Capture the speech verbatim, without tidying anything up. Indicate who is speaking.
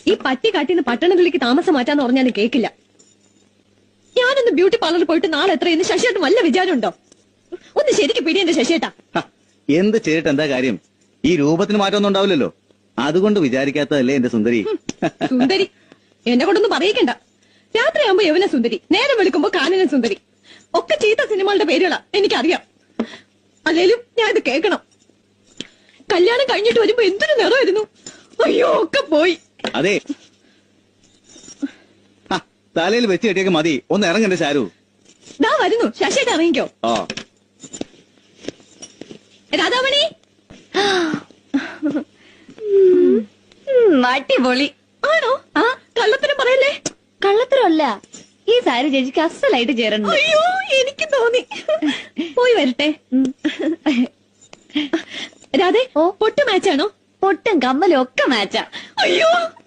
Speaker 1: ഈ പട്ടി കാട്ടിന്ന് പട്ടണത്തിലേക്ക് താമസം മാറ്റാന്ന് പറഞ്ഞാൽ കേക്കില്ല. ഞാനൊന്ന് ബ്യൂട്ടി പാർലറിൽ പോയിട്ട് നാളെ എത്രയെന്ന് ശശിയേട്ടൻ വല്ല വിചാരമുണ്ടോ? ഒന്ന് ശരിക്ക് പിടി എന്റെ ശശിയേട്ടാ.
Speaker 2: എന്ത് ചെയ്തിട്ട് എന്താ കാര്യം? ഈ രൂപത്തിന് മാറ്റമൊന്നും ഉണ്ടാവില്ലല്ലോ. അതുകൊണ്ട് വിചാരിക്കാത്തതല്ലേ എന്റെ സുന്ദരി.
Speaker 1: സുന്ദരി എന്നെ കൊണ്ടൊന്നും പറയിക്കണ്ട. രാത്രിയാകുമ്പോ യവന സുന്ദരി, നേരം വെളുക്കുമ്പോ കാനന സുന്ദരി, ഒക്കെ ചീത്ത സിനിമകളുടെ പേരുകളാ എനിക്കറിയാം. അല്ലേലും ഞാൻ ഇത് കേൾക്കണം. കല്യാണം കഴിഞ്ഞിട്ട് വരുമ്പോ എന്തൊരു നിറമായിരുന്നു. അയ്യോ ഒക്കെ പോയി.
Speaker 2: അതെ, തലയിൽ വെച്ച് കെട്ടിയൊക്കെ മതി. ഒന്ന് ഇറങ്ങണ്ടേ ശാരു?
Speaker 1: ദാ വരുന്നു. ശശിയേട്ട ഇറങ്ങിക്കോ.
Speaker 2: ആ
Speaker 1: രാധാമണി,
Speaker 3: അടിപൊളി
Speaker 1: ആണോ? ആ കള്ളത്തരം പറയല്ലേ.
Speaker 3: കള്ളത്തരമല്ല, ഈ സാരി ചേച്ചിക്ക് അസലായിട്ട് ചേരണം.
Speaker 1: അയ്യോ എനിക്ക് തോന്നി. പോയി വരട്ടെ. രാധേ,
Speaker 3: ഓ
Speaker 1: പൊട്ട് മാച്ചാണോ?
Speaker 3: പൊട്ടും കമ്മലും ഒക്കെ മാച്ചാ.
Speaker 1: അയ്യോ